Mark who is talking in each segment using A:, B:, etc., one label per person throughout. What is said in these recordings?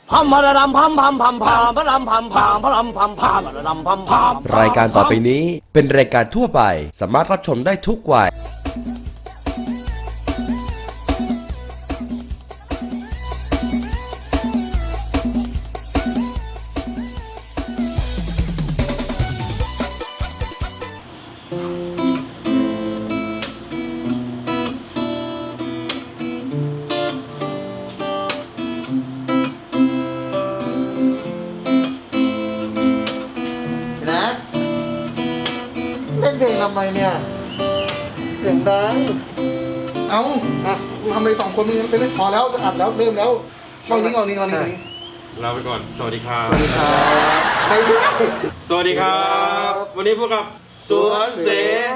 A: พัมพะระดำพัมพัมพัมพามพะรำพัมพามพะรำพัมพามพะระดำพัมพาม
B: รายการต่อไปนี้เป็นรายการทั่วไปสามารถรับชมได้ทุกวัย
C: เล่นเพลงทำไมเนี่ยเสียงดังเอาทำอะไรสองคนมึงเป็นพอแล้วจะอัดแล้วเริ่มแล้วเอานี้
D: ลาไปก่อน สวัสดีครับ
C: สวัสดีครับใครดู
D: สวัสดีครับ วันนี้พวกกับสวนเส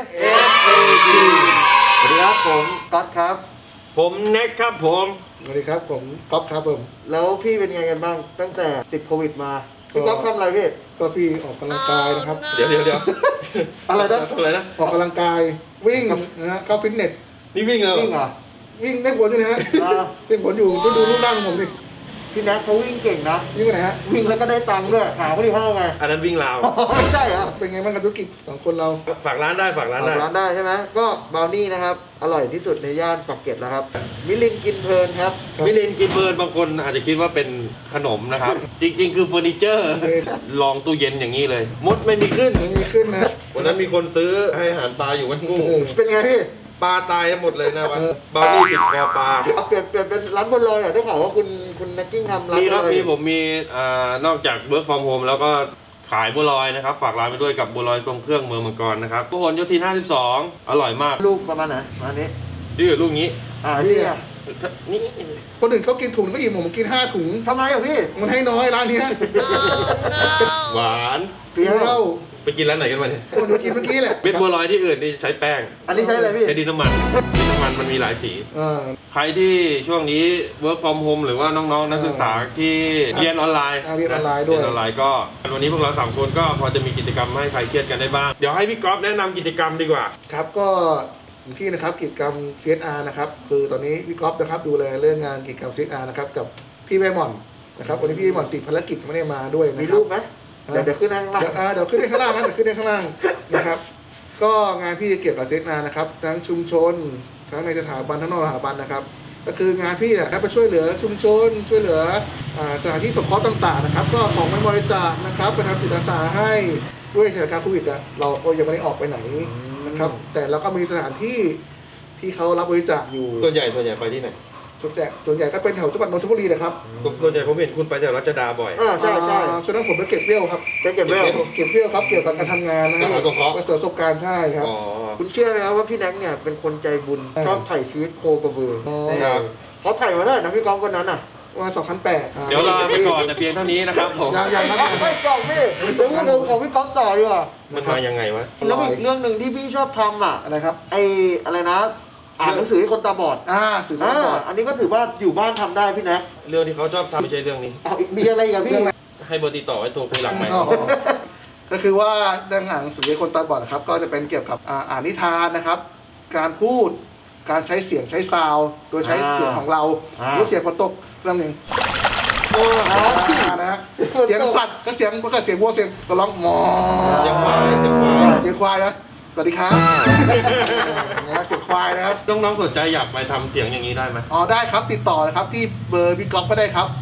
C: SAG สวัสดีครับผมก๊อตครับ
D: ผมเน็กครับผม
C: สวัสดีครับผมก๊อฟครับผมแล้วพี่เป็นไงกันบ้างตั้งแต่ติดโควิดมาพี่ก๊อฟทำอะไรพี่ก็พี่ออกกำลังกายนะครับ
D: เดี๋ยว
C: อะไรนะ
D: ทำอะไรนะ
C: ออกกำลังกายวิ่งนะฮะเข้าฟิตเนส
D: นี่วิ่งเหรอ
C: วิ่งเหรอวิ่งได้ผลอยู่นะฮะได้ผลอยู่ก็ดูรูปร่างของผมดิพี่แน็กเขาวิ่งเก่งนะวิ่งไปไหนฮะวิ่งแล้วก็ได้ตังค์ด้วยหาเขาที่ห้องไง
D: อันนั้นวิ่งราว
C: ไม่ใช่เหรอเป็นไงบ้างกับธุรกิจของคนเรา
D: ฝากร้านได้ฝากร้านได้
C: ใช่ไหมก็บราวนี่นะครับอร่อยที่สุดในย่านปากเกร็ดแล้วครับมิลินกินเพลินครับ
D: มิลินกินเพลินบางคนอาจจะคิดว่าเป็นขนมนะครับ จริงๆคือเฟอร์นิเจอร์ ลองตู้เย็นอย่างนี้เลย มดไม่มีขึ้น
C: นะ
D: วันนั้นมีคนซื้อให้อาหารปลาอยู่วัดงู
C: เป็นไงพี่
D: ปลาตายหมดเลยนะวันบาวนี่ติดคอปลา
C: เปลี่ยนเป็นร้านบนลอยหน่อยได้ข่าวว่าคุณนักกิ้งทำร้าน
D: มีครับมีผมมีนอกจากเวิร์กฟอร์มโฮมแล้วก็ขายบัวลอยนะครับฝากร้านไปด้วยกับบัวลอยทรงเครื่องเมืองมังกรนะครับพหลโยธิน52อร่อยมาก
C: ลูกประมาณไหนอันนี้
D: ดื้อลูกนี้
C: นี่
D: นี่
C: คนอื่นเขากินถุงก็อิ่มผมกิน5ถุงทำไมอ่ะพี่มันให้น้อยร้านนี้
D: หวาน
C: เปรี้ยว
D: ไปกินร้านไหนกันมาเนี่ย
C: คนกินเมื่อกี้แหละ
D: เม็ดบัวลอยที่อื่นนี่ใช้แป้ง
C: อันนี้ใช้อะไรพี่
D: ใช้ดินน้ำมันมันมีหลายสีใครที่ช่วงนี้ work from home หรือว่าน้องๆนักศึกษาที่เรียนออนไลน์
C: เรียนออนไลน์ด้วย
D: เรียนออนไลน์ก็วันนี้พวกเรา3คนก็พอจะมีกิจกรรมให้ใครเครียดกันได้บ้างเดี๋ยวให้พี่ก๊อฟแนะนำกิจกรรมดีกว่า
C: ครับก็พี่นะครับกิจกรรม CSR นะครับคือตอนนี้พี่ก๊อฟนะครับดูแลเรื่องงานกิจกรรม CSR นะครับกับพี่แม่หม่อนนะครับวันนี้พี่แม่หม่อนติดภารกิจไม่ได้มาด้วยนะครับมีรูปไหมเดี๋ยวขึ้นข้างล่างเดี๋ยวขึ้นข้างล่างนะเดี๋ยวขึ้นข้างล่างนะครับก็งานพี่เกี่ยวกับเซตนานะครับทั้งชุมชนทั้งในสถาบันทั้งนอกสถาบันนะครับก็คืองานพี่เนี่ยไปช่วยเหลือชุมชนช่วยเหลือสถานที่สงเคราะห์ต่างๆนะครับก็ของไม่บริจาคนะครับไปทำจิตอาสาให้ด้วยสถานการณ์โควิดเราก็ยังไม่ได้ออกไปไหนนะครับแต่เราก็มีสถานที่ที่เขารับบริจาคอยู่
D: ส่วนใหญ่ไปที่ไหน
C: ส่วนใหญ่ก็เป็นแถวจังหวัดนนทบุรีนะครับ
D: ส่วนใหญ่ผมเห็นคุณไปแถวรัชดาบ่อย
C: ใช่ช่วงนั้นผมไปเก็บเบี้ยวครับเก็บเบี้ยวครับเกี่ยวกับการทำงานนะครับประสบการณ์ใช่ครับคุณเชื่อไหมครับว่าพี่แน็กเนี่ยเป็นคนใจบุญชอบถ่ายชีวิตโคกระบือเขาถ่ายมาได้นะพี่ก๊อฟวันนั้นว่า2008
D: เดี๋ยวลาไปก่อนแต่เพียงเท่านี้นะครับผม
C: ยังไม่จบพี่เรื่องของพี่ก๊อฟต่อดีกว่า
D: มันมายังไงวะ
C: แล้วอีกเรื่องหนึ่งที่พี่ชอบทำอะไรครับอะไรนะอ่านหนังสือให้คนตาบอดสื่อคนตาบอดอันนี้ก็ถือว่าอยู่บ้านทำได้พี่แน็ก
D: เรื่องที่เขาชอบทำไม่ใช่เรื่องนี้
C: มีอะไรกับพี่
D: ให้เบอร์ติดต่อไว้โทรคุยหลังไหม
C: ก็คือว่าเรื่องหนังสือให้คนตาบอดนะครับก็จะเป็นเกี่ยวกับอ่านนิทานนะครับการพูดการใช้เสียงใช้ซาวโดยใช้เสียงของเราหรือเสียงคนตกเรื่องหนึ่งนะฮะเสียงสัตว์ก็เสียงวัวเสียงก็ร้องมอ
D: เสียงคว
C: ายนะสวัสดีครับเสียงควายนะครับ
D: น้องๆสนใจอยากไปทำเสียงอย่างนี้ได้ไหม
C: ได้ครับติดต่อนะครับที่เบอร์พี่ก๊อฟก็ได้ครับ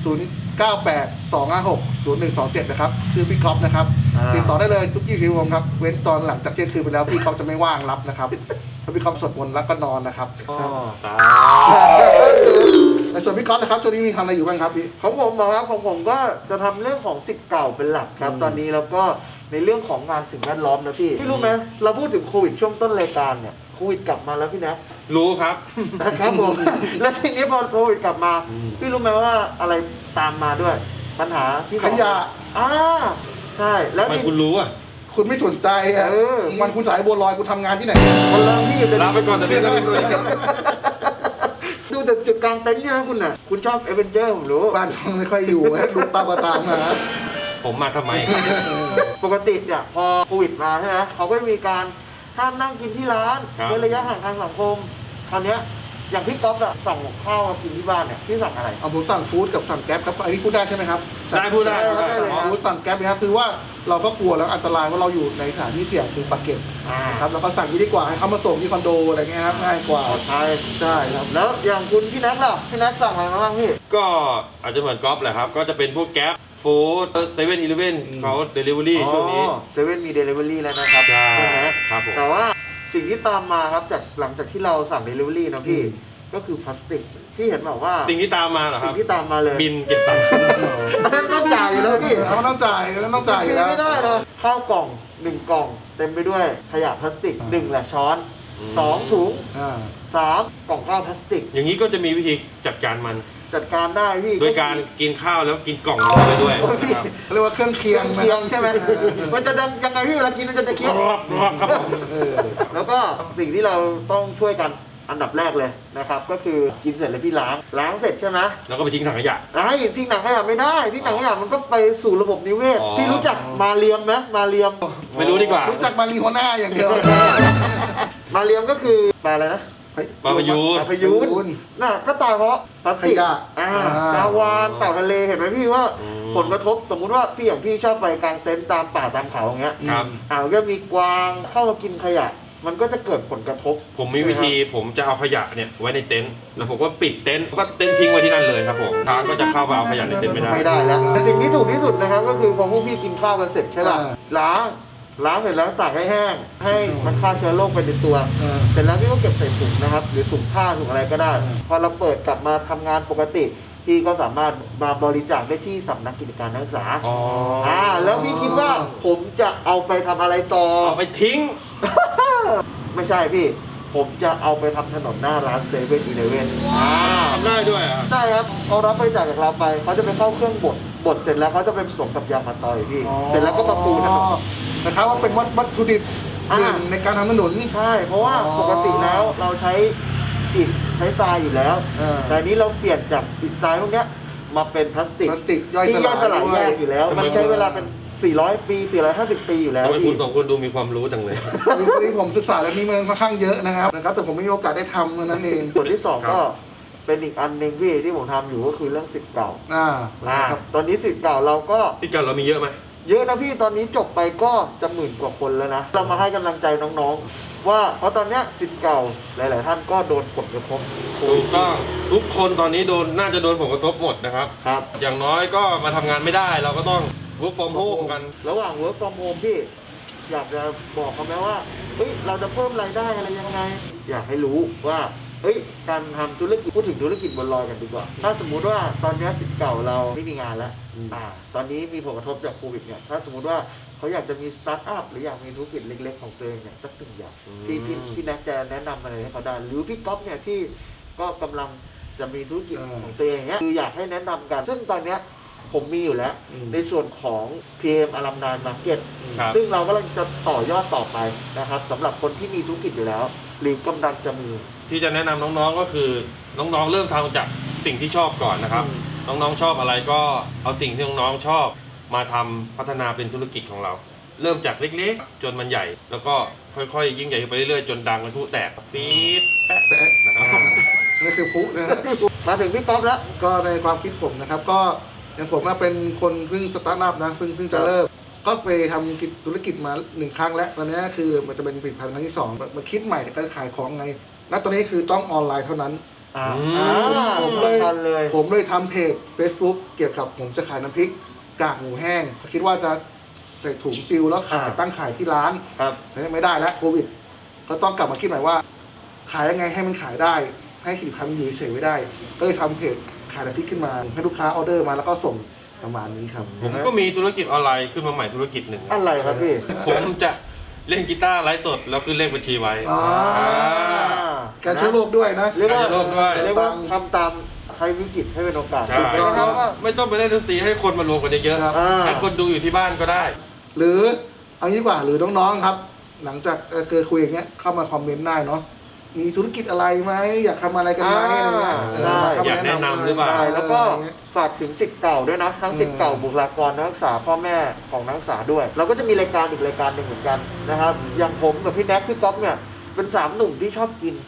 C: 0982560127นะครับชื่อพี่ก๊อฟนะครับติดต่อได้เลยทุก24 ชั่วโมงครับเว้นตอนหลังจากเที่ยงคืนไปแล้วพี่ก๊อฟจะไม่ว่างรับนะครับเพราะพี่ก๊อฟสวดมนต์แล้วก็นอนนะครับในส่วนพี่ก๊อฟนะครับช่วงนี้มีทำอะไรอยู่บ้างครับพี่ของผมนะครับของผมก็จะทำเรื่องของศิษย์เก่าเป็นหลักครับตอนนี้แล้วก็ในเรื่องของงานสิ่งแวดล้อมนะพี่รู้ไหมเราพูดถึงโควิดช่วงต้นรายการเนี่ยโควิดกลับมาแล้วพี่นะ
D: รู้ครับ
C: นะครับผมแล้วทีนี้พอโควิดกลับมาพี่รู้ไหมว่าอะไรตามมาด้วยปัญหาที่ขยะใช่แล้ว
D: ทำไมคุณรู้
C: คุณไม่สนใจมันคุณสายบัวลอยคุณทำงานที่ไหนคนละที่
D: ลาไปก่อนแต่พี่
C: ดูแต่จุดกลางเต็นท์ใช่ไหมคุณชอบเอเวนเจอร์ผมรู้บ้านช่องไม่ค่อยอยู่ดูตามนะ
D: ผมมาทำไม
C: ปกติเนี่ยพอโควิดมาใช่ไหมเขาก็มีการห้ามนั่งกินที่ร้านเว้นระยะห่างทางสังคมคราวนี้
E: อย่างพี่ก๊อฟอะสั่งข้าวมากินที่บ้านเนี่ยพี่สั่งอะไร
C: เอาผมสั่งฟู้ดกับสั่งแก๊ปครับอันนี้พูดได้ใช่ไหมครับ
D: ได้พูดได้
C: สั่งฟู้ดสั่งแก๊ปนะครับคือว่าเราก็กลัวแล้วอันตรายว่าเราอยู่ในสถานที่เสี่ยงคือปากเกร็ดครับแล้วก็สั่งที่ดีกว่าให้เขามาส่งที่คอนโดอะไรเงี้ยครับง่ายกว่า
E: ใช่
C: ใช่ครับ
E: แล้วอย่างคุณพี่แน็กล่ะพี่แน็กสั่งอะไรมาบ้างพี่
D: ก็อาจจะเหมือนก๊อฟแหละครับ ก็จะเป็นพวกแก๊ปฟู้ดเซเว่นอีเลฟเว่นเขาเดลิเวอรี่ช่วงนี้
E: เซเว่นมีเดลิเวอรี่แล้วนะครับ
D: ใช่
E: ไหม
D: ครับผม
E: แต่ว่าสิ่งที่ตามมาครับจากหลังจากที่เราสั่งเดลิเวอรี่นะพี่ก็คือพลาสติกที่เห็นบอกว่า
D: สิ่งที่ตามมาเหรอค
E: สิ่
D: รับ
E: งที่ตามมาเลย
D: บินเก็บตังค์
E: อันนั้นต้องจ่ายอยู่แล้วพี่
C: เขาต้องจ่ายแล้วต้องจ่ายอยู่แล้ว
E: ไม่ได้นะข้าวกล่อง1กล่องเต็มไปด้วยขยะพลาสติก1แหละช้อน2ถุง
C: อ่า
E: 3กล่องข้าวพลาสติก
D: อย่างนี้ก็จะมีวิธีจัดการมัน
E: จัดการได้พี่
D: โดยการกินข้าวแล้วกินกล่องลงไปด้วย
E: โอ้ยพี่
D: นะครับ
C: เขาเรียกว่าเครื่องเคียง
E: เคียงใช่ไหมมันจะดังยังไงพี่เวลากินมันจะเคี้ยว
D: รอบครับผม
C: เออ
E: แล้วก็สิ่งที่เราต้องช่วยกันอันดับแรกเลยนะครับก็คือกินเสร็จแล้วพี่ล้างเสร็จใช่ไหม
D: แล้วก็ไปทิ้งถังขยะ
E: ทิ้งหนังขยะไม่ได้ทิ้งหนังขยะมันก็ไปสู่ระบบนิเวศ
D: อ๋อ
E: พี่รู้จักมาเรียมไหมมาเรียม
D: ไม่รู้ดีกว่า
C: รู้จักมารีโฮน่าอย่างเดียว
E: มาเรียมก็คือปลาอะไรนะ
D: ปลาพยูน
E: ปลาพยูนน่ะก็ตายเพราะพลาสติก
C: ขยะ
E: ปลาวานเต่าทะเลเห็นไหมพี่ว่า
D: อืม
E: ผลกระทบสมมุติว่าพี่อย่างพี่ชอบไปกางเต็นท์ตามป่าตามเขาอย่างเงี้ย
D: ครับ
E: ก็มีกวางเข้ามากินขยะ มันก็จะเกิดผลกระทบ
D: ผมมีวิธีผมจะเอาขยะเนี่ยไว้ในเต็นท์แล้วผมก็ปิดเต็นท์ก็เต็นท์ทิ้งไว้ที่นั่นเลยครับผมช้างก็จะเข้ามาเอาขยะในเต็นท์ไม่ได้
E: ไม่ได้แล้วแต่สิ่งที่ถูกที่สุดนะครับก็คือพอพวกพี่กินข้าวกันเสร็จใช่ป่ะล้างเสร็จแล้วตากให้แห้งให้มันฆ่าเชื้อโรคไปในตัว เสร็จแล้วพี่ก็เก็บใส่ถุงนะครับหรือถุงผ้าถุงอะไรก็ได้ พอเราเปิดกลับมาทำงานปกติพี่ก็สามารถมาบริจาคได้ที่สำนักกิจการนักศึกษา
D: อ๋อ
E: แล้วพี่คิดว่าผมจะเอาไปทำอะไรต่อ
D: เอาไปทิ้ง
E: ไม่ใช่พี่ ผมจะเอาไปทำถนนหน้าร้านเซเว่นอีเลฟเว่น
D: ทำได้ด้วยอ่ะ
E: ใช่ครับเขารับบริจาคจากเราไปเขาจะไปเข้าเครื่องบดเสร็จแล้วเขาจะไปผสมกับยางมะตอยพี่ เสร็จแล้วก็มาปูนะครับ
C: นะครับว่าเป็นวัตถุดิบหนึ่งในการทำถนน
E: ใช่เพราะว่าปกติแล้วเราใช้อิฐใช้ทรายอยู่แล้ว แต่อันนี้เราเปลี่ยนจากอิฐทรายพวกเนี้ยมาเป็นพลาสติก
C: พลาสติกย่อย
E: ที่
C: ส
E: ย่อยส
C: ลา
E: ลาย ย
C: ด้ว
E: แย
C: ย
E: กอยู่แล้ว มันใช้เวลาเป็น400 ปี450 ปีอยู่แล้ว
D: ทำไมคุ
E: พี่
D: ณสองคนดูมีความรู้จังเลย
C: นี่ผมศึกษาเรื่องนี้มาค่อนข้างเยอะนะครับแต่ผมไม่มีโอกาสได้ทำนั่นเอง
E: ส่วนที่สอง
D: ครับ
E: ก็เป็นอีกอันหนึ่งพี่ที่ผมทำอยู่ก็คือเรื่องสิทธิ์เก่า
C: ครับ
E: ตอนนี้สิทธิ์เก่าเราก็
D: ที่กันเรามีเยอะไหม
E: เยอะนะพี่ตอนนี้จบไปก็จะหมื่นกว่าคนแล้วนะเรามาให้กำลังใจน้องๆ ว่าเพราะตอนเนี้ยสิทธิ์เก่าหลาย ๆ ท่านก็โดนผลกระทบ
D: ถูกต้องทุกคนตอนนี้น่าจะโดนผลกระทบหมดนะครับ
E: ครับ
D: อย่างน้อยก็มาทำงานไม่ได้เราก็ต้อง work from home กัน
E: ระหว่าง work from home พี่อยากจะบอกเขาไหมว่าเฮ้ยเราจะเพิ่มรายได้อะไรยังไง อยากให้รู้ว่าเฮ้ยการทำธุรกิจพูดถึงธุรกิจบนลอยกันดีกว่า ถ้าสมมุติว่าตอนนี้สิทธิ์เก่าเราไม่มีงานแล้วตอนนี้มีผลกระทบจากโควิดเนี่ยถ้าสมมุติว่าเขาอยากจะมีสตาร์ทอัพหรืออยากมีธุรกิจเล็ก ๆ ของตัวเองเนี่ยสักหนึ่งอย่างที่พี่แน็กจะแนะนำอะไรให้เขาได้หรือพี่ก๊อฟเนี่ยที่ก็กำลังจะมีธุรกิจของตัวเองเนี่ยคืออยากให้แนะนำกัน ซึ่งตอนเนี้ยผมมีอยู่แล้วในส่วนของ PM Alumni Market
D: ครับ
E: ซึ่งเรากำลังจะต่อยอดต่อไปนะครับสำหรับคนที่มีธุรกิจอยู่แล้ว หรือกำลังจะมี
D: ที่จะแนะนำน้องๆก็คือน้องๆเริ่มทำจากสิ่งที่ชอบก่อนนะครับ น้องๆชอบอะไรก็เอาสิ่งที่น้องๆชอบมาทำพัฒนาเป็นธุรกิจของเรา เริ่มจากเล็กๆ จนมันใหญ่ แล้วก็ค่อยๆยิ่งใหญ่ไปเรื่อยๆจนดังเป็นผู้แตกฟีดแปะ
C: แปะ
D: นะครับ
C: นี่คือพุนะฮะ
E: มาถึงพี่ก๊อฟแล้ว
C: ก็ในความคิดผมนะครับก็อย่างผมเป็นคนเพิ่งสตาร์ทอัพนะเพิ่งจะเริ่มก็ไปทำธุรกิจมา1 ครั้งแล้วตอนนี้คือมันจะเป็นผลิตภัณฑ์ครั้งที่2มาคิดใหม่ก็ขายของไงแล้วตอนนี้คือต้องออนไลน์เท่านั้น ผมเลยทำเพจ Facebook เกี่ยวกับผมจะขายน้ำพริกกากหมูแห้งคิดว่าจะใส่ถุงซีลแล้วขายตั้งขายที่ร้าน
E: ครับ
C: ไม่ได้แล้วโควิดก็ต้องกลับมาคิดใหม่ว่า ขายยังไงให้มันขายได้ให้สินค้ามันอยู่เฉยๆไม่ได้ ก็เลยทำเพจขายน้ำพริกขึ้นมาให้ลูกค้าออเดอร์มาแล้วก็ส่งประมาณนี้ครับ
D: ผมก็มีธุรกิจออนไลน์ขึ้นมาใหม่ธุรกิจหนึ่ง
E: อะไรครับพี่
D: ผมจะเล่นกีตาร์ไลฟ์สดแล้วขึ้นเลขบัญชีไว้
C: การเชื้อโรคด้วยนะ
E: เรียกว่า
D: การเชื้อโรคด้วย
E: เรียกว่าทำตามใช้วิกฤตให้เป็นโอกาส
D: ใช่
E: ถูกไหมครับว่า
D: ไม่ต้องไปเล่นดนตรีให้คนมารวมกันเยอะ
C: ครับ
D: ๆให้คนดูอยู่ที่บ้านก็ได้
C: หรือเอางี้ดีกว่าหรือน้องๆครับ หลังจากเกิดคุยอย่างเงี้ยเข้ามาคอมเมนต์ได้เนาะมีธุรกิจอะไรไหมอยากทำอะไรกันไหมอะไรเงี้ย
E: ใช่
C: เข้ม
D: อยากแนะนำหรือเปล่า
E: ใช่แล้วก็
C: อะไรเงี้ย
E: ฝากถึงสิทธิ์เก่าด้วยนะทั้งสิทธิ์เก่าบุคลากรนักศึกษาพ่อแม่ของนักศึกษาด้วย เราก็จะมีรายการอีกรายการหนึ่งเหมือนกันนะครับอย่างผมกับพี่แน็กพี่ก๊อฟเนี่ยเป็น3 หนุ่มที่ชอบกิน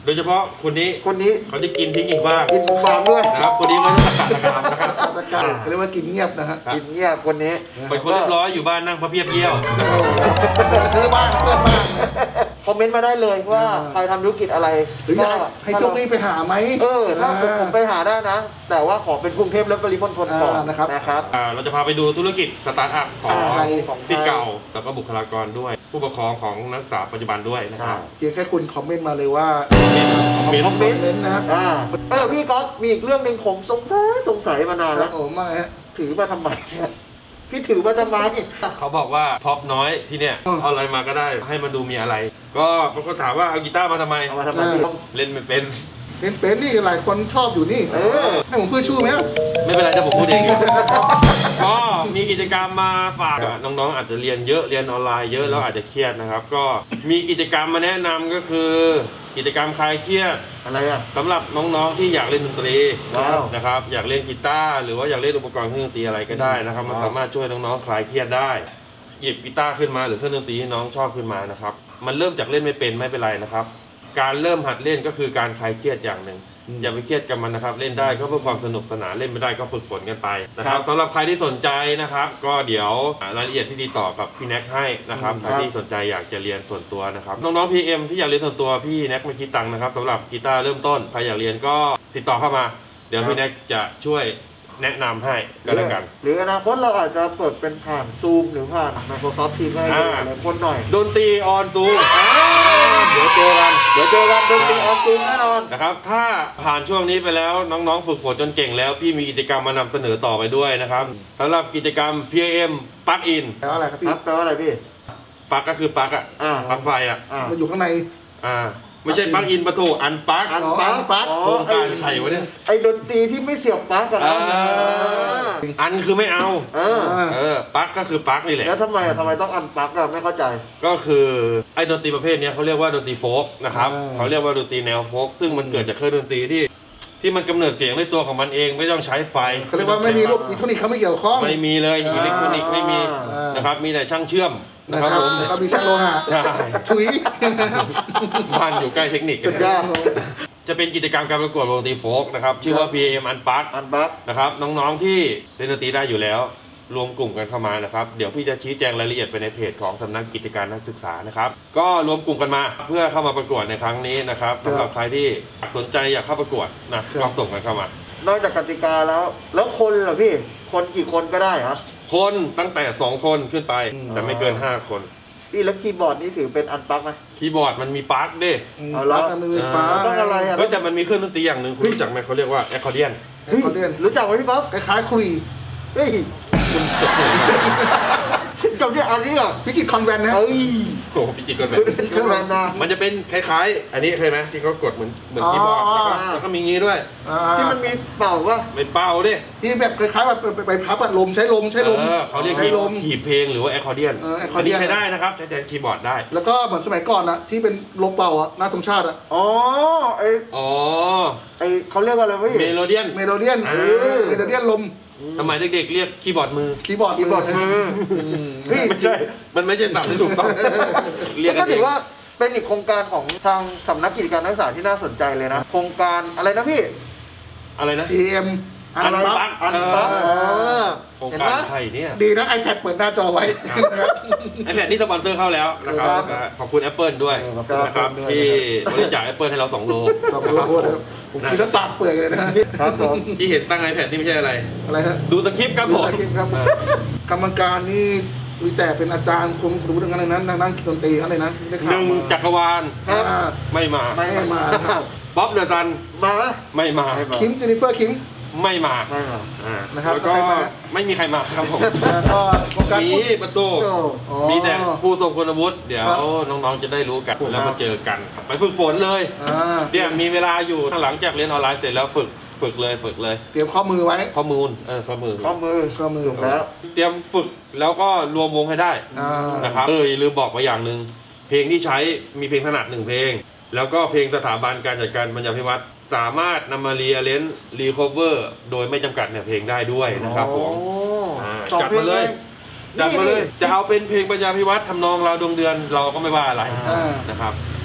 D: โดยเฉพาะคนนี้
E: คนนี้
D: เขาจะกินทิ้งอีกบ้าง
E: กินบางด้วย
D: นะครับคนนี้ไม่ต้องตะกามนะครับ
C: ตะการเรียกว่ากินเงียบนะฮะ
D: ครับ
E: กินเงียบคนนี้
D: เป็นคนเรียบร้อยอยู่บ้านนั่งพระเพียบเยี่ยวนะครับ
C: เจอบ้างเพื่อนบ้าง
E: คอมเมนต์มาได้เลยว่าใครทำธุรกิจอะไร
C: หรืออยากให้โชคดีไปหาไหม
E: ถ้าผมไปหาได้นะ แต่ว่าขอเป็นกรุงเทพและปริมณฑลก่อน
C: นะครับ
D: เราจะพาไปดูธุรกิจสตาร์ทอัพของ
C: ไทย
D: ที่เก่าแล้วก็บุคลากรด้วย ผู้ปกครองของนักศึกษาปัจจุบันด้วยนะครับ
C: เพียงแค่คุณคอมเมนต์มาเลยว่า
D: คอมเมนต์
C: คอมเมนต์นะครับ
E: พี่ก๊อฟมีอีกเรื่องหนึ่งผมสงสัยมานาน
C: ครั
E: แล้
C: บ
E: ว
C: ผมว่าไงฮะ
E: ถือมาทำไมเนี่ยพี่ถือมาทำไม
D: เขาบอกว่าพร็อพน้อยที่เนี่ย
C: อืม
D: เอาอะไรมาก็ได้ให้มันดูมีอะไร ก็เขาก็ถามว่าเอากีตาร์มาทำไม
E: เอามาทำไมพี่
D: เล่นไม่เป็น
C: เป็นนี่หลายคนชอบอยู่นี่ ให้ผมพูดชื่อไหมครับ
D: ไม่เป็นไรถ้าผมพูดเองอยู่ก็มีกิจกรรมมาฝากน้องๆอาจจะเรียนเยอะเรียนออนไลน์เยอะแล้วอาจจะเครียดนะครับ ก็มีกิจกรรมมาแนะนำก็คือ กิจกรรมคลายเครียด
E: อะไรอ่ะ
D: สำหรับน้องๆที่อยากเล่นดนตรี
E: ว้าว
D: นะครับอยากเล่นกีตาร์หรือว่าอยากเล่นอุปกรณ์เครื่องดนตรีอะไรก็ได้นะครับมัน
E: ว้าว
D: สามารถช่วยน้องๆคลายเครียดได้ หยิบกีตาร์ขึ้นมาหรือเครื่องดนตรีที่น้องชอบขึ้นมานะครับมันเริ่มจากเล่นไม่เป็นไม่เป็นไรนะครับ การเริ่มหัดเล่นก็คือการคลายเครียดอย่างหนึ่งอย่าไปเครียดกับมันนะครับ เล่นได้ก็เพื่อความสนุกสนานเล่นไม่ได้ก็ฝึกฝนกันไปนะครับสำหรับใครที่สนใจนะครับ ก็เดี๋ยวรายละเอียดที่ดีต่อกับพี่แน็กให้นะครับใครที่สนใจอยากจะเรียนส่วนตัวนะครับน้องๆ PM ที่อยากเรียนส่วนตัวพี่แน็กไม่คิดตังค์นะครับสำหรับกีตาร์เริ่มต้นใครอยากเรียนก็ติดต่อเข้ามา เดี๋ยวพี่แน็กจะช่วยแนะนำให้ก็แล้วกัน
E: หรืออนาคตเราอาจจะเปิดเป็นผ่านซูมหรือผ่าน Microsoft Teams ก็ได้หลายคนหน่อย
D: ดนตรีออนซูมเดี๋ยวเจอกัน
E: ดนตรีออนซูมแน่นอน
D: นะครับถ้าผ่านช่วงนี้ไปแล้วน้องๆฝึกฝนจนเก่งแล้วพี่มีกิจกรรมมานำเสนอต่อไปด้วยนะครับสำหรับกิจกรรม PAM ปลั๊กอิน
C: แล้วอะไรครับพี่
E: แปลว่าอะไรพี่
D: ปลั๊กก็คือปลั๊กอะ
E: อ่า
D: ปลั๊กไฟอะ
C: มันอยู่ข้างใน
D: ไม่ใช่ปลั๊กอินประตูอันปลั๊ก
E: อันปลั๊ก
C: อันปลั๊ก
D: โครงการใครวะเนี่ย
E: ไอ้ดนตรีที่ไม่เสียบปลั๊กกันนะ
D: อันคือไม่เอา
E: เออ
D: ปลั๊กก็คือปลั๊กนี่แหละ
E: แล้วทำไมต้องอันปลั๊กอะไม่เข้าใจ
D: ก็คือไอ้ดนตรีประเภทเนี้ยเขาเรียกว่าดนตรีโฟล์กนะครับเขาเรียกว่าดนตรีแนวโฟล์กซึ่งมันเกิดจากเครื่องดนตรีที่มันกำเนิดเสียงด้วยตัวของมันเองไม่ต้องใช้ไฟ
C: เขาเรียกว่าไม่มีระบบอิเล็กทรอนิกส์เขาไม่เกี่ยวข้อง
D: ไม่มีเลยอิเล็กทรอนิกส์ไม่มี
C: อ่าน
D: นะครับมีแต่ช่างเชื่อมนะ
C: นะ
D: ค
C: ค
D: รั
C: รั
D: บบ ผม
C: แล้วก็มีช่างโลหะ
D: ใช่
C: ถุย
D: บ้านอยู่ใกล้เทคนิค
E: สุดยอด
D: จะเป็นกิจกรรมการประกวดวงดนตรีโฟล์กนะครับชื่อว่า PAM Unplugged
E: อันปลั๊ก
D: นะครับน้องๆที่เล่นดนตรีได้อยู่แล้ว รวมกลุ่มกันเข้ามานะครับเดี๋ยวพี่จะชี้แจงรายละเอียดไปในเพจของสำนักกิจการนักศึกษานะครับก็รวมกลุ่มกันมาเพื่อเข้ามาประกวดในครั้งนี้นะครับสำหรับใครที่สนใจอยากเข้าประกวดนะก็ส่งกันเข้ามาน
E: อกจากกติกาแล้วคนเหรอพี่ คนกี่คนก็ได้เหรอ
D: คนตั้งแต่2คนขึ้นไปแต่ไม่เกิน5 คน
E: พี่แล้วคีย์บอร์ดนี่ถือเป็นอันปลั๊กไหม
D: คีย์บอร์ดมันมีปลั๊กด้วย
E: เอาละ
C: มันมีไฟฟ้า
E: ต้องอะไรอะ
D: เฮ้ยแต่มันมีเครื่องดนตรีอย่างหนึ่งคุณรู้จักไหมเขาเรียกว่าแอคคอร์เดียน
C: เฮ้ยเขาเรียน
E: รู้จักไหมพี่ก๊อฟ
C: คล้ายๆคุย
E: เฮ้ย
D: คุณจบเลยนะ
E: จำที่อันนี้เหรอ
C: พิจิตรคอนแวนต์นะ
E: เฮ้ย
D: โอ้โหพิจิตรก็แบบ
E: เครื่องแวนนะ
D: มันจะเป็นคล้ายๆ อันนี้เคยไหมที่เขากดเหมือนคีย์บอร์ดแล้วก็มีงี้ด้วย
E: ที่มันมีเป่าป่ะ
D: ไม่เป้าดิ
C: ที่แบบคล้ายๆแบบไปพับอะลมใช้ลม
D: เขาเรียก
C: ใช้ลม
D: หีบเพลงหรือว่าแอคคอร์เดียน
C: accordion
D: อันนี้ใช้ได้นะครับใช้แทนคีย์บอร์ดได้
C: แล้วก็เหมือนสมัยก่อนอะที่เป็นลมเป่าอะหน้าธงชาติอะ
E: อ๋อไอ
D: อ๋อ
E: ไอเขาเรียกว่าอะไรวะพี่
D: เมโลเดียน
C: เมโลเดียน
D: อ่า
C: เมโลเดียนลม
D: สมัยเด็กๆเรียกคีย์บอร์ดมือ
C: คีย์บอร์ด
E: มือ เฮ้ย
D: ไม่ใช่ มันไม่ใช่ศัพท์ที่ถูกต้อง เรียกกั
E: ก็
D: นเอ
E: ถือง ว่าเป็นอีกโครงการของทางสำนักกิจการนักศึกษาที่น่าสนใจเลยนะ โครงการอะไรนะพี่
D: อะไรนะ
C: PM อันบัฟ
E: อันปั๊บ
D: โครง
E: เห็น
D: การ
E: ไหม
D: ไทยเนี่ย
C: ดีนะ iPad เปิดหน้าจอไว้
D: ไอแพดนี่สปอนเซอร์เข้าแล้วนะครับ
E: ครับ
D: ขอบคุณ Apple ด้วย
E: ขอบคุณ
D: นะครับ
E: Apple ด้วย
D: ที่บริจาค Apple ให้เรา2 โล
C: สองโลนะครับผมคิดว่าปากเปื่อยเลยนะครับ
E: ผม
D: ที่เห็นตั้ง iPad นี่ไม่ใช่อะไร
C: อะไรฮะ
D: ดูสคริปต์ครับผม
C: ดูสคริปต์ครับกรรมการนี่มีแต่เป็นอาจารย์คนรู้เรื่องอะไรนั้นนั่งดนตรีอะไรนะได้ข่าว
D: หนึ่ง
C: มา
D: จักรวาล
E: ครับ
D: ไม่มา
C: ไม่มาครับ
D: บ๊อบเดอะซัน
E: มาไหม
D: ไม่มา
E: ไม่มา
C: คิมเจนนิเฟอร์คิม
D: ไม่มา
E: ไม่มา
C: นะครับ
D: แล้วก็
C: ใครมา
D: ไม่มีใครมาครับผม
C: แล้วก็โครงการ
D: มี
C: พูด
D: ประตู
E: โอ้
C: อ๋อ
D: มีแต่ผู้ทรงคุณวุฒิเดี๋ยว
C: ครับ
D: น้องๆจะได้รู้กัน
E: ครับ
D: แล้วมาเจอกันไปฝึกฝนเลย
C: อ่า
D: เนี่ยมีเวลาอยู่หลังจากเรียนออนไลน์เสร็จแล้วฝึกเลย
C: เตรียมข้อมือไว้
D: ข้อมูลข้อมือ
E: ข้อมือ
C: ข้อมือ
E: ถูกแล้ว
D: เตรียมฝึกแล้วก็รวมวงให้ได้
C: อ่า
D: นะครับอย่าลืมบอกไปอย่างหนึ่งเพลงที่ใช้มีเพลงถนัด1 เพลง แล้วก็เพลงสถาบันการจัดการบรรยายพิวัตรสามารถนำมารีเลนรีคอเวอร์โดยไม่จำกัดเนี่ยเพลงได้ด้วยนะครับผม
E: โอ้
D: จัดมาเลยจัดมาเลยจะเอาเป็นเพลงปัญญาพิวัตรทำนองเราดวงเดือนเราก็ไม่ว่าอะไร
C: อ่า
D: นะครับ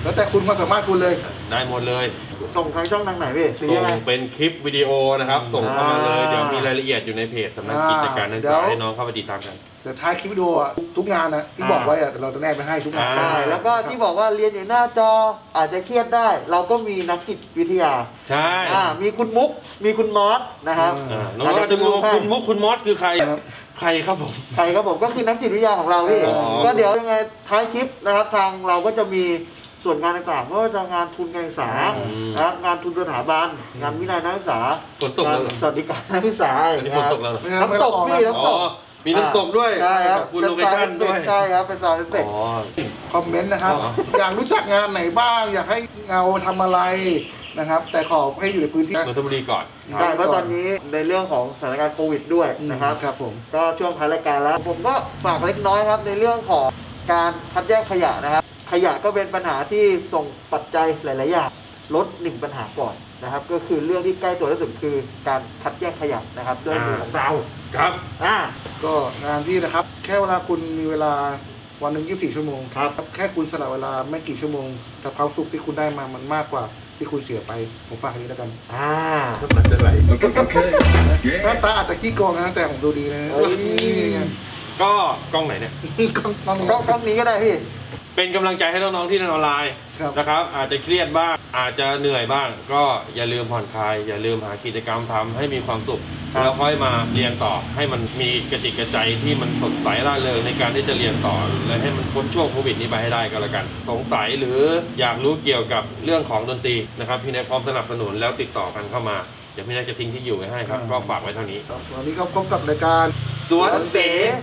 C: แล้วแต่คุณความสามารถคุณเลย
D: ได้หมดเลย
E: ส่งทางช่องทางไหนพี่หรือ
D: ส่
E: ยัง งไง
D: เป็นคลิปวิดีโอนะครับ ส่งเข้ามาเลย
E: อ่า
D: เดี๋ยวมีรายละเอียดอยู่ในเพจสำนักกิจการนักศึก
C: เดี๋ย
D: ษาว ให้น้องเข้าไปติดตามกัน
C: เดี๋ยวท้ายคลิปวิดีโออะทุกงานนะที่บอกไว้อะเดี๋ยวเราจะแนบไปให้ทุกงาน
D: อ่า
E: ใช่แล้วก็ที่บอกว่าเรียนอยู่หน้าจออาจจะเครียดได้ เราก็มีนักจิตวิทยา
D: ใช่
E: มีคุณมุกมีคุณมอสนะครับ
D: น้องๆอาจจะงงว่าคุณมุกคุณมอสคือใคร
C: ครับ
D: ใครครับผม
E: ใครครับผมก็คือนักจิตวิทยาของเราพี่
D: อ๋อ
E: ก็เดี๋ยวยังไงท้ายคลิปนะครับทางเราก็จะมีส่วนงานต่างๆไม่ว่าจะงานทุนการศึกษานะครับงานทุนสถาบันงานวินัยนักศึกษา
D: ฝนตก
E: งาน
D: แล้วเหรอ
E: สวัสดิการนักศึกษา
D: อันนี้ฝนตกแล้วเหรอ
E: น้ำตกพี่น้ำตก
D: อ๋อมีน้ำตกด้วย
E: ใช่ครับ
D: คุณโลเคชั่นด้วย
E: ใช่ครับเป็นซาวด์เอฟเฟกต์
D: อ๋อ
C: คอมเมนต์นะครับ
D: อ๋อ
C: อยากรู้จักงานไหนบ้าง อยากให้เงาทำอะไรนะครับ แต่ขอให้อยู่ในพื้นที่
D: นนทบุรีก่อน
E: ใช่เพราะตอนนี้ในเรื่องของสถานการณ์โควิดด้วยนะครับ
C: ครับผม
E: ก็ช่วงท้ายรายการแล้ว ผมก็ฝากเล็กน้อยครับในเรื่องของการคัดแยกขยะนะครับ ขยะก็เป็นปัญหาที่ส่งปัจจัยหลาย ๆ อย่างลดหนึ่งปัญหาก่อนนะครับ ก็คือเรื่องที่ใกล้ตัวที่สุดคือการคัดแยกขยะนะครับด้วยมือของเรา
D: ครับ
C: ก็งานที่นะครับ แค่เวลาคุณมีเวลาวันหนึ่ง24 ชั่วโมง
E: ครับ
C: แค่คุณสละเวลาไม่กี่ชั่วโมงแต่ความสุขที่คุณได้มามันมากกว่าที่คุณเสียไปผมฝากอันนี้แล้วกัน
D: มันจะไหล
C: หน้าตาอาจจะขี้โกงนะแต่ผมดูดีนะ
E: เฮ้ย
C: นี่ไง
D: ก็กล้องไหนเนี่ย
C: กล้องนี้
E: ก็นี้ก็ได้พี่
D: เป็นกำลังใจให้น้องๆที่เรียนออนไลน์
C: ครับ
D: นะครับ อาจจะเครียดบ้าง อาจจะเหนื่อยบ้าง ก็อย่าลืมผ่อนคลาย อย่าลืมหากิจกรรมทำให้มีความสุข
E: ครับ
D: แล้วค่อยมาเรียนต่อ ให้มันมีกระจิตกระใจที่มันสดใสร่าเริงในการที่จะเรียนต่อ และให้มันพ้นช่วงโควิดนี้ไปให้ได้ก็แล้วกัน สงสัยหรืออยากรู้เกี่ยวกับเรื่องของดนตรีนะครับพี่แนทพร้อมสนับสนุนแล้วติดต่อกันเข้ามา เดี๋ยวพี่แนทจะทิ้งที่อยู่ไว้ให้ครับ ก็ฝากไว้เท่านี้
C: วันนี้ก็พบกับรายการ
D: สวนเส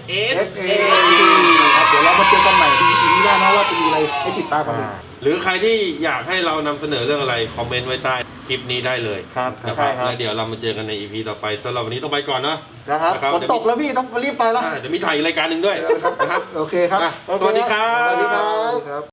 C: SA ครับเดี๋ยวเรามาเจอกันใหม่ที่ EP นี้ได้นะว่าจะมีอะไรให้ติดตามกันอีก
D: หรือใครที่อยากให้เรานำเสนอเรื่องอะไร คอมเมนต์ไว้ใต้คลิปนี้ได้เลย
E: ครับ
D: นะค
E: ใช่
D: รับ
E: ครับ
D: แล้วเดี๋ยวเรามาเจอกันใน EP ต่อไปสำหรับวันนี้ต้องไปก่อนเนาะ
E: นะครับ
D: นะครับ
E: ฝนตกแล้วพี่ต้องรีบไปแล้ว
D: เดี๋ยวมีถ่ายอีกรายการหนึ่งด้วยนะครับ
C: โอเคครับ
D: อ่ะสวัสดีครับ
E: สวัสดีครับ
C: ครับ